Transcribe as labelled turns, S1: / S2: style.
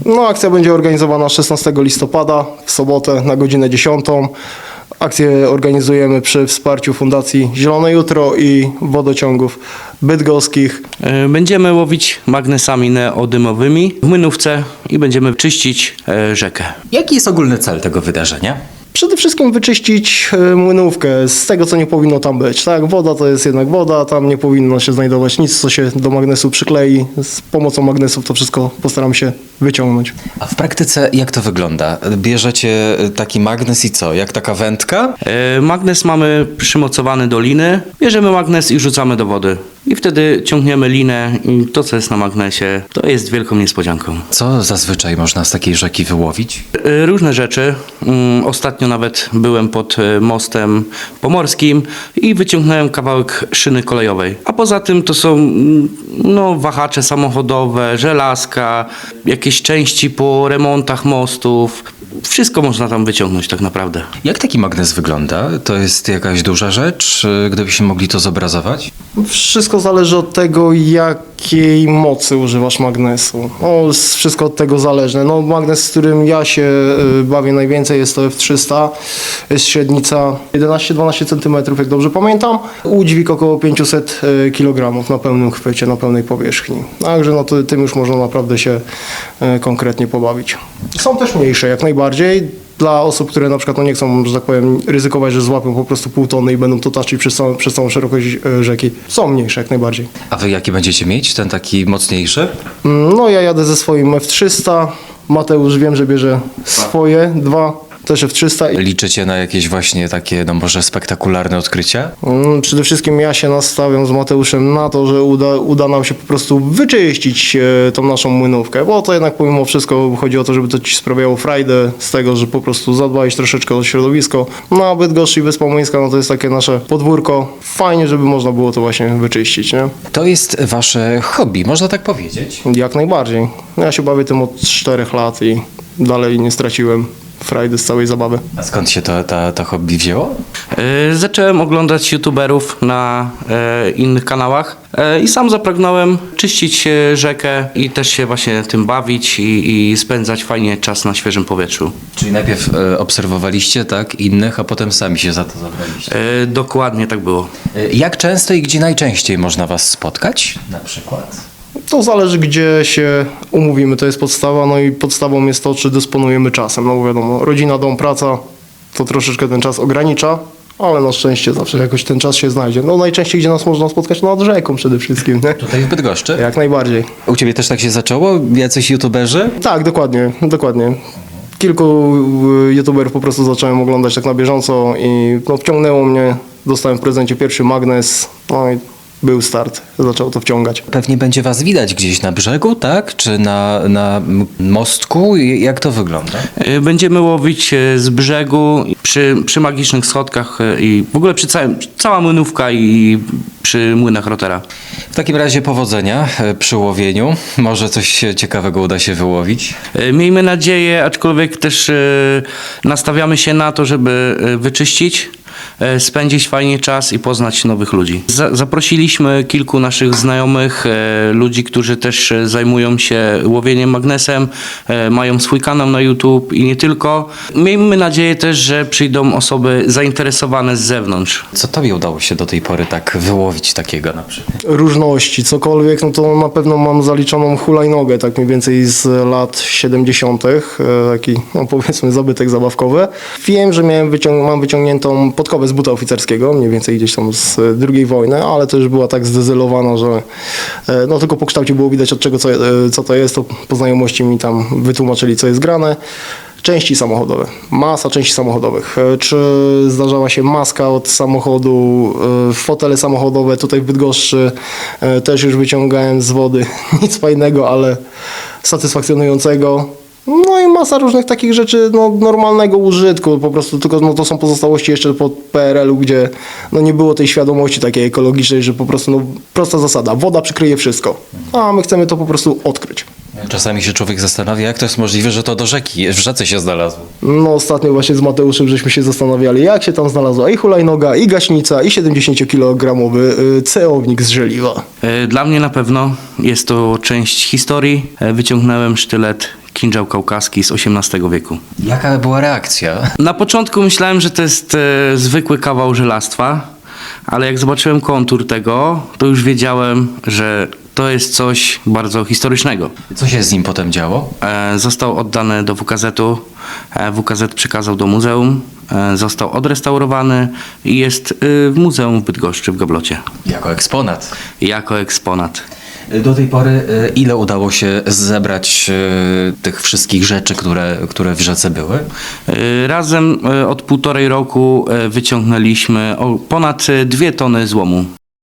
S1: No, akcja będzie organizowana 16 listopada w sobotę na godzinę 10. Akcję organizujemy przy wsparciu Fundacji Zielone Jutro i wodociągów bydgoskich.
S2: Będziemy łowić magnesami neodymowymi w Młynówce i będziemy czyścić rzekę.
S3: Jaki jest ogólny cel tego wydarzenia?
S1: Przede wszystkim wyczyścić Młynówkę z tego, co nie powinno tam być. Tak, woda to jest jednak woda, tam nie powinno się znajdować nic, co się do magnesu przyklei. Z pomocą magnesów to wszystko postaram się wyciągnąć.
S3: A w praktyce jak to wygląda? Bierzecie taki magnes i co? Jak taka wędka?
S2: Magnes mamy przymocowany do liny, bierzemy magnes i rzucamy do wody. I wtedy ciągniemy linę i to, co jest na magnesie, to jest wielką niespodzianką.
S3: Co zazwyczaj można z takiej rzeki wyłowić?
S2: Różne rzeczy. Ostatnio nawet byłem pod mostem pomorskim i wyciągnąłem kawałek szyny kolejowej. A poza tym to są wahacze samochodowe, żelazka, jakieś części po remontach mostów. Wszystko można tam wyciągnąć tak naprawdę.
S3: Jak taki magnes wygląda? To jest jakaś duża rzecz? Gdybyśmy mogli to zobrazować?
S1: Wszystko zależy od tego, jakiej mocy używasz magnesu. Wszystko od tego zależne. Magnes, z którym ja się bawię najwięcej, jest to F300. Jest średnica 11-12 cm, jak dobrze pamiętam. Udźwig około 500 kg na pełnym chwycie, na pełnej powierzchni. Także tym już można naprawdę się konkretnie pobawić. Są też mniejsze, jak najbardziej. Dla osób, które na przykład nie chcą, że tak powiem, ryzykować, że złapią po prostu pół tony i będą to taczyć przez całą szerokość rzeki. Są mniejsze jak najbardziej.
S3: A wy jaki będziecie mieć? Ten taki mocniejszy?
S1: Ja jadę ze swoim F300. Mateusz wiem, że bierze swoje dwa. Też F300.
S3: Liczycie na jakieś właśnie takie, może spektakularne odkrycia?
S1: Przede wszystkim ja się nastawiam z Mateuszem na to, że uda nam się po prostu wyczyścić tą naszą Młynówkę, bo to jednak pomimo wszystko chodzi o to, żeby to ci sprawiało frajdę z tego, że po prostu zadbałeś troszeczkę o środowisko. A Bydgoszcz i Wyspa Młyńska, to jest takie nasze podwórko. Fajnie, żeby można było to właśnie wyczyścić, nie?
S3: To jest wasze hobby, można tak powiedzieć?
S1: Jak najbardziej. Ja się bawię tym od 4 lat i dalej nie straciłem frajdy z całej zabawy.
S3: A skąd się to hobby wzięło?
S2: Zacząłem oglądać youtuberów na innych kanałach i sam zapragnąłem czyścić rzekę i też się właśnie tym bawić i spędzać fajnie czas na świeżym powietrzu.
S3: Czyli najpierw obserwowaliście innych, a potem sami się za to zabraliście?
S2: Dokładnie tak było.
S3: Jak często i gdzie najczęściej można was spotkać na przykład?
S1: To zależy, gdzie się umówimy, to jest podstawa, i podstawą jest to, czy dysponujemy czasem. Bo wiadomo, rodzina, dom, praca, to troszeczkę ten czas ogranicza, ale na szczęście zawsze jakoś ten czas się znajdzie. Najczęściej, gdzie nas można spotkać, nad rzeką przede wszystkim, nie?
S3: Tutaj w Bydgoszczy?
S1: Jak najbardziej.
S3: U ciebie też tak się zaczęło? Jacyś youtuberzy?
S1: Tak, dokładnie. Kilku youtuberów po prostu zacząłem oglądać tak na bieżąco i wciągnęło mnie. Dostałem w prezencie pierwszy magnes, i był start, zaczął to wciągać.
S3: Pewnie będzie was widać gdzieś na brzegu, tak? Czy na mostku? Jak to wygląda?
S2: Będziemy łowić z brzegu, przy magicznych schodkach i w ogóle cała Młynówka i przy młynach Rotera.
S3: W takim razie powodzenia przy łowieniu. Może coś ciekawego uda się wyłowić.
S2: Miejmy nadzieję, aczkolwiek też nastawiamy się na to, żeby wyczyścić, spędzić fajnie czas i poznać nowych ludzi. Zaprosiliśmy kilku naszych znajomych, ludzi, którzy też zajmują się łowieniem magnesem, mają swój kanał na YouTube i nie tylko. Miejmy nadzieję też, że przyjdą osoby zainteresowane z zewnątrz.
S3: Co tobie udało się do tej pory tak wyłowić takiego na przykład?
S1: Różności, cokolwiek, to na pewno mam zaliczoną hulajnogę, tak mniej więcej z lat 70. Taki, powiedzmy, zabytek zabawkowy. Wiem, że mam wyciągniętą podkowę z buta oficerskiego, mniej więcej gdzieś tam z II wojny, ale to już była tak zdezelowana, że tylko po kształcie było widać, od czego co to jest, to po znajomości mi tam wytłumaczyli, co jest grane. Części samochodowe, masa części samochodowych. Czy zdarzała się maska od samochodu, fotele samochodowe tutaj w Bydgoszczy, też już wyciągałem z wody. Nic fajnego, ale satysfakcjonującego. I masa różnych takich rzeczy normalnego użytku, po prostu tylko to są pozostałości jeszcze po PRL-u, gdzie nie było tej świadomości takiej ekologicznej, że po prostu prosta zasada, woda przykryje wszystko, a my chcemy to po prostu odkryć.
S3: Czasami się człowiek zastanawia, jak to jest możliwe, że to w rzece się znalazło.
S1: Ostatnio właśnie z Mateuszem żeśmy się zastanawiali, jak się tam znalazła i hulajnoga, i gaśnica, i 70-kilogramowy ceownik z żeliwa.
S2: Dla mnie na pewno jest to część historii. Wyciągnąłem sztylet kinżał kaukaski z XVIII wieku.
S3: Jaka była reakcja?
S2: Na początku myślałem, że to jest zwykły kawał żelastwa, ale jak zobaczyłem kontur tego, to już wiedziałem, że to jest coś bardzo historycznego.
S3: Co się z nim potem działo?
S2: Został oddany do WKZ-u, WKZ przekazał do muzeum, został odrestaurowany i jest w muzeum w Bydgoszczy w Gablocie.
S3: Jako eksponat.
S2: Jako eksponat.
S3: Do tej pory ile udało się zebrać tych wszystkich rzeczy, które w rzece były?
S2: Razem od 1,5 roku wyciągnęliśmy ponad 2 tony złomu.